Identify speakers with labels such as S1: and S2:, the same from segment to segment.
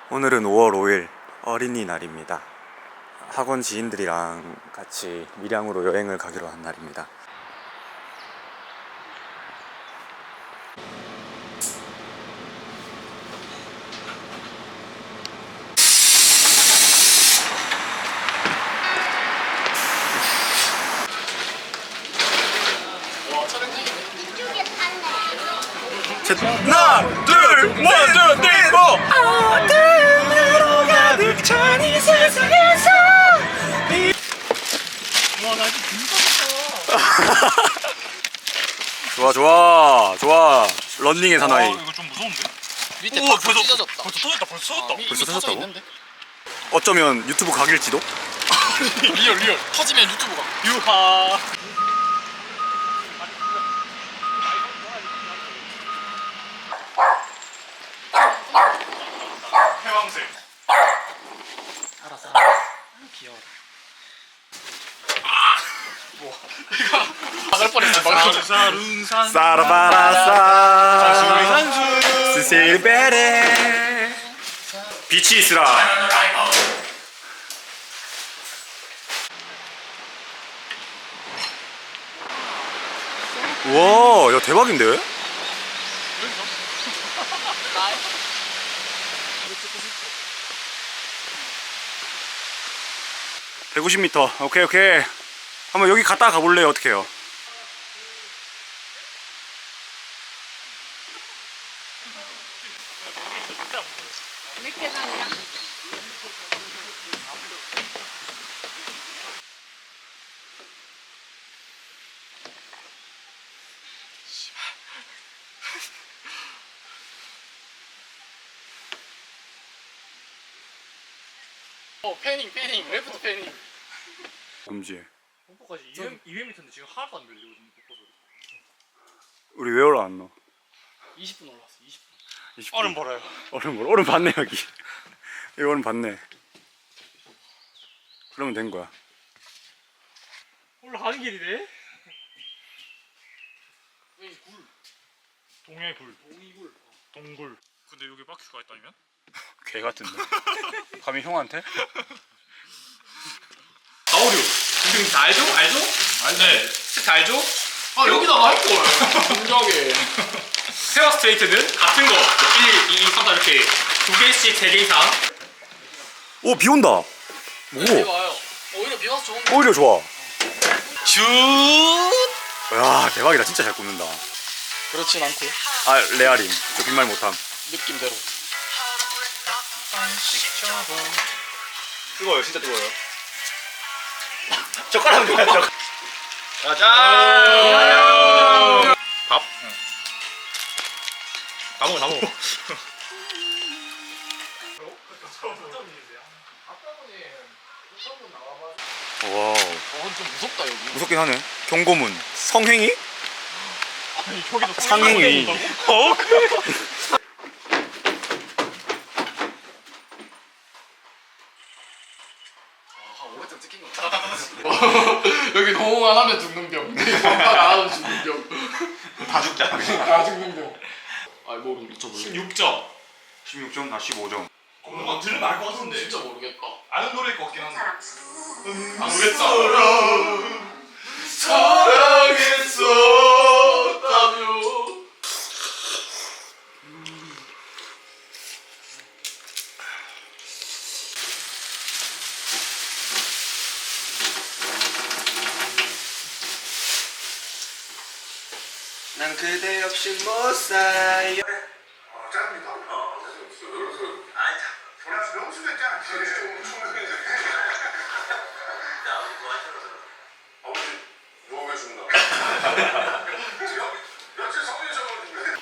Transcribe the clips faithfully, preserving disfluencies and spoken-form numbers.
S1: 오늘은 오월 오일 어린이날입니다. 학원 지인들이랑 같이 밀양으로 여행을 가기로 한 날입니다. 하나, 둘, 원, 투, 쓰리, 포. 어둠으로 가득 찬 이 세상에서
S2: 와, 나 지금 금방
S1: 좋아 좋아 좋아. 런닝의 사나이.
S2: 이거 좀 무서운데?
S3: 밑에
S2: 우와,
S3: 탁
S2: 벌써
S3: 찢어졌다.
S2: 벌써 터졌다. 벌써 터졌다.
S3: 이미
S1: 벌써
S3: 터져
S1: 터졌다고?
S3: 있는데?
S1: 어쩌면 유튜브 각일지도?
S3: 리얼 리얼 터지면 유튜브가.
S2: 유하. 해왕색.
S3: 알았어. 알았어. 귀여워. 막을 뻔했어. 막을 뻔했어.
S2: 사룬산.
S1: 사라바라사
S2: 산수.
S1: 스실베레 빛이 있으라. 우와, 야 대박인데? 백오십 미터. 오케이 오케이. 한번 여기 갔다 가볼래요? 어떻게 해요?
S3: 어 패닝 패닝 레프트 패닝.
S1: 금지.
S2: 폭포까지 이백 미터인데 지금 하나도 안 밀려. 요즘 폭포 소리.
S1: 우리 왜 올라왔노?
S3: 이십 분 올라왔어. 이십 분.
S1: 이십 분.
S2: 얼음 벌어요.
S1: 얼음 뭘? 얼음 봤네 여기. 여기 얼음 봤네. 그러면 된 거야.
S2: 올라가는 길이네.
S3: 왜 굴?
S2: 동해굴.
S3: 동이굴.
S2: 동굴. 근데 여기 바퀴가 있다면?
S1: 개 같은데. 감히 형한테?
S4: 가오류 지금 다 알죠? 알죠?
S2: 네.
S4: 스타 알죠?
S3: 아 여기다 말걸. 공격에.
S4: 페어 스트레이트는 같은 거 일, 이, 삼, 사 이렇게 두 개씩 세 개 이상.
S1: 오, 비 온다.
S3: 비
S1: 오,
S3: 와요. 오히려 비 와서 좋은데.
S1: 오히려 좋아.
S4: 슛.
S1: 야, 대박이다. 진짜 잘 굽는다.
S3: 그렇진 않고
S1: 아, 레아림. 저 빈말 못함.
S3: 느낌대로.
S1: 뜨거워요. 진짜 뜨거워요. 젓가락 줘야 젓가락.
S4: 짜잔. 밥? 응. 다 먹어 다 먹어.
S1: 와우.
S3: 어, 좀 무섭다 여기.
S1: 무섭긴 하네. 경고문. 성행위?
S2: 아니 저기도
S1: 상행위.
S2: 어?
S3: 여기 호응 안 하면 죽는 병. 반박 안 하면 죽는 병.
S1: 다 죽자.
S3: 다 죽는 병. 아 모르 미쳐볼래.
S4: 십육 점.
S1: 십육 점, 나 십오 점.
S4: 뭔가 들으면 알 것 같은데.
S3: 진짜 모르겠다.
S4: 아는 노래일 것 같긴 한데.
S3: 안 모르겠다. 사랑했었다며.
S1: 난 그대 없이 못 살아요.
S5: 짭니다. 아니, 자, 명수도 있잖아. 아버지, 누워 계신다. 며칠 성인이셔가지고.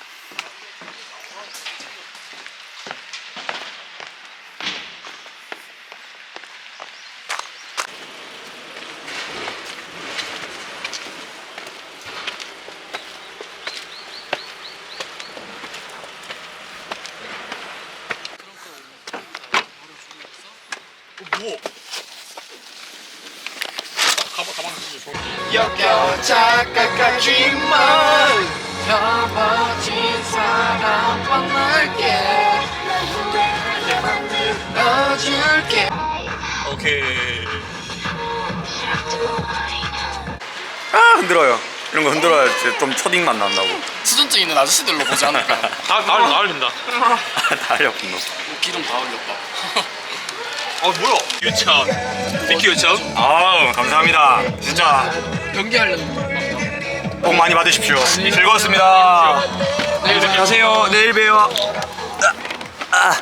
S2: 뭐?
S4: 가방 가방 주세요.
S3: 역겨워 착각하지만 펴버진 사람 만날게.
S4: 오케이.
S1: 아 흔들어요. 이런 거 흔들어야 이제 좀 초딩 맛 난다고.
S3: 수전증 있는 아저씨들로 보지 않을까?
S4: 나 나을 나을린다.
S1: 다 흘렸군 너.
S3: 기름 다 흘렸다.
S4: 어 뭐야? 유천. 비키 유천.
S1: 아우 감사합니다. 진짜
S3: 연기하려는
S1: 복 많이 받으십시오. 즐거웠습니다.
S3: 내일 뵙
S1: 안녕하세요. 내일 봬요. 아.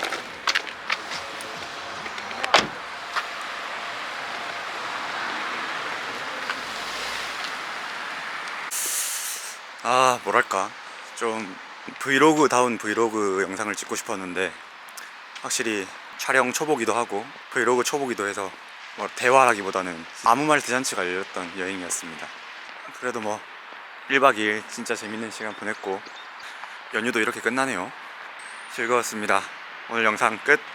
S1: 아 뭐랄까 좀 브이로그다운 브이로그 영상을 찍고 싶었는데 확실히 촬영 초보기도 하고 브이로그 초보기도 해서 뭐 대화라기보다는 아무 말 대잔치가 열렸던 여행이었습니다. 그래도 뭐 일 박 이 일 진짜 재밌는 시간 보냈고 연휴도 이렇게 끝나네요. 즐거웠습니다. 오늘 영상 끝.